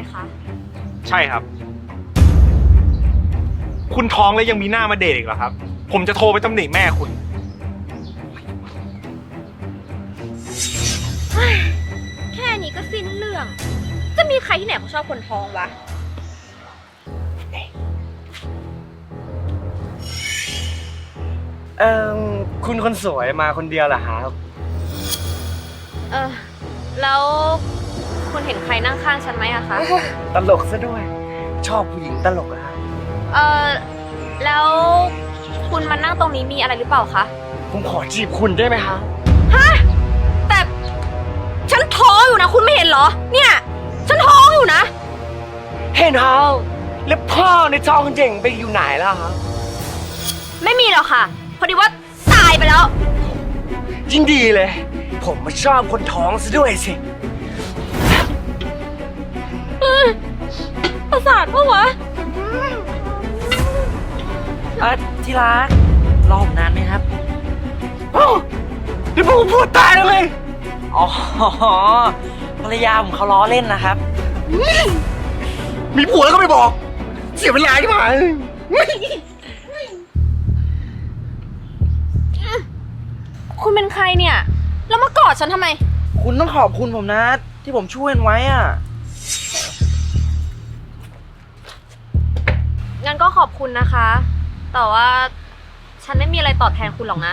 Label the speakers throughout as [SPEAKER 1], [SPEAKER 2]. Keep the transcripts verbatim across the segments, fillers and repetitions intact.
[SPEAKER 1] คะ
[SPEAKER 2] ใช่ครับคุณท้องแล้วยังมีหน้ามาเดทอีกเหรอครับผมจะโทรไปตำหนิแม่คุณ
[SPEAKER 1] แค่นี้ก็สิ้นเรื่องจะมีใครที่ไหนเขาชอบคนท้องวะ
[SPEAKER 3] เอ่อคุณคนสวยมาคนเดียวเหรอครับ
[SPEAKER 1] เออแล้วคุณเห็นใครนั่งข้างฉันไหมอะคะ
[SPEAKER 3] ตลกซะด้วย ชอบผู้หญิงตลกอะครับ
[SPEAKER 1] เออแล้วคุณมานั่งตรงนี้มีอะไรหรือเปล่าคะ
[SPEAKER 3] ผมขอจีบคุณได้ไหมครับ
[SPEAKER 1] ฮะแต่ฉันท้องอยู่นะคุณไม่เห็นเหรอเนี่ยฉันท้องอยู่นะ
[SPEAKER 3] เห็นเขาแล้วพ่อในท้องเจ๋งไปอยู่ไหนแล้วครับ
[SPEAKER 1] ไม่มีหรอกค่ะพอดีว่าตายไปแล้ว
[SPEAKER 3] ยิ่งดีเลย ผมมาชอบคนท้องซะด้วยสิ
[SPEAKER 1] ประสาทปะวะ
[SPEAKER 4] เออที่รักรอผมนานไหมครับ
[SPEAKER 3] โอ้นี่ผมพูดตายแล้วเลย
[SPEAKER 4] อ๋อภรรยาผมเขาล้อเล่นนะครับ
[SPEAKER 3] มีผัวแล้วก็ไม่บอก เสียเวลาที่ผ่าน
[SPEAKER 1] คุณเป็นใครเนี่ย แล้วมากอดฉันทำไม
[SPEAKER 4] คุณต้องขอบคุณผมนะ ที่ผมช่วยไว้อ่ะ
[SPEAKER 1] งั้นก็ขอบคุณนะคะ แต่ว่าฉันไม่มีอะไรตอบแทนคุณหรอกนะ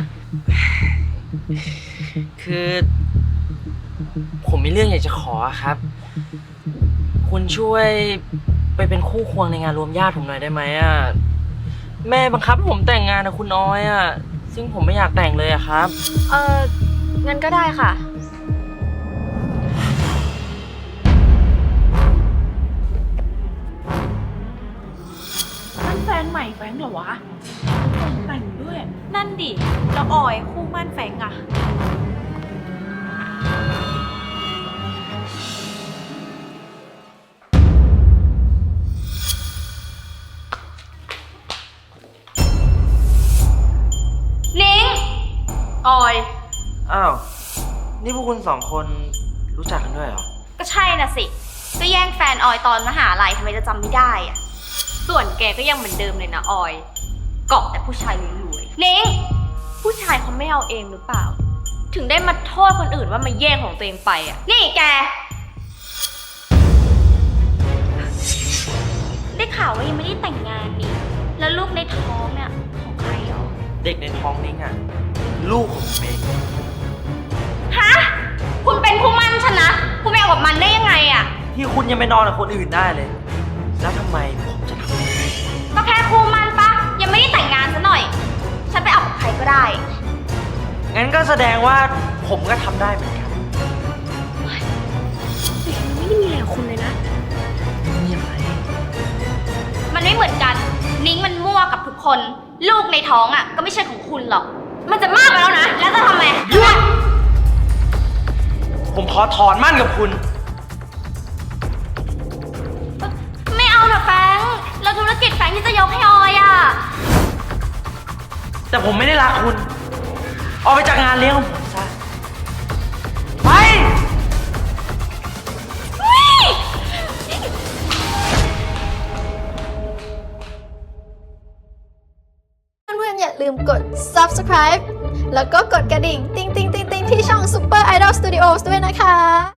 [SPEAKER 4] คือ ผมมีเรื่องอยากจะขอครับ คุณช่วยไปเป็นคู่ควงในงานรวมญาติผมหน่อยได้ไหมอ่ะ แม่บังคับให้ผมแต่งงานกับคุณน้อยอ่ะ ซึ่งผมไม่อยากแต่งเลยอะครับ
[SPEAKER 1] เอองั้นก็ได้ค่ะ
[SPEAKER 5] นั่นแฟนใหม่แฟงเหรอวะแต่งด้วย นั่นดิ แล้วออยคู่มั่นแฟงอะ
[SPEAKER 1] นิ้งออย
[SPEAKER 4] อ้าว นี่พวกคุณสองคนรู้จักกันด้วยเหรอ
[SPEAKER 1] ก็ใช่น่ะสิ ก็แย่งแฟนออยตอนมหาลัยทำไมจะจำไม่ได้อะส่วนแกก็ยังเหมือนเดิมเลยนะออย เกาะแต่ผู้ชายรวยๆนิ้งผู้ชายเขาไม่เอาเองหรือเปล่า ถึงได้มาโทษคนอื่นว่ามาแย่งของตัวเองไปอ่ะ นี่แก ได้ข่าวว่ายังไม่ได้แต่งงานนี่ แล้วลูกในท้องเนี่ยของใครหรอ
[SPEAKER 4] เด็กในท้องนิ้งอ่ะ ลูกของผมเอง
[SPEAKER 1] ฮะ คุณเป็นผู้มั่นฉันนะ คุณไปเอากับมันได้ยังไงอ่ะ
[SPEAKER 4] ที่คุณยังไปนอนกับคนอื่นได้เลย แล้วทำไมผมจะทำไม่ได้
[SPEAKER 1] ก็แค่คู่มั่นปะยังไม่ได้แต่งงานซะหน่อย ฉันไปเอากับใครก็ได้
[SPEAKER 4] งั้นก็แสดงว่าผมก็ทำได้เหมือนกัน
[SPEAKER 1] แต่ฉันไม่ได้มีอะไรกับคุณเลยนะ
[SPEAKER 4] มีอะไร
[SPEAKER 1] มันไม่เหมือนกัน นิ้งมันมั่วกับทุกคน ลูกในท้องอ่ะ ก็ไม่ใช่ของคุณหรอก มันจะมากไปแล้วนะ แล้วจะทำไม
[SPEAKER 4] หยุด ผมขอถอนมั่นกับคุณ
[SPEAKER 1] ไม่เอานะแฟรงค์แล้วธุรกิจแฟรงค์ที่จะยกให้ออยอ่ะ
[SPEAKER 4] แต่ผมไม่ได้รักคุณ ออกไปจากงานเลี้ยงของผมซะ ไป
[SPEAKER 6] เพื่อนๆอย่าลืมกด ซับสไครบ์ แล้วก็กดกระดิ่ง ติ๊งติ๊งติ๊งติ๊งที่ช่อง Super Idol Studios ด้วยนะคะ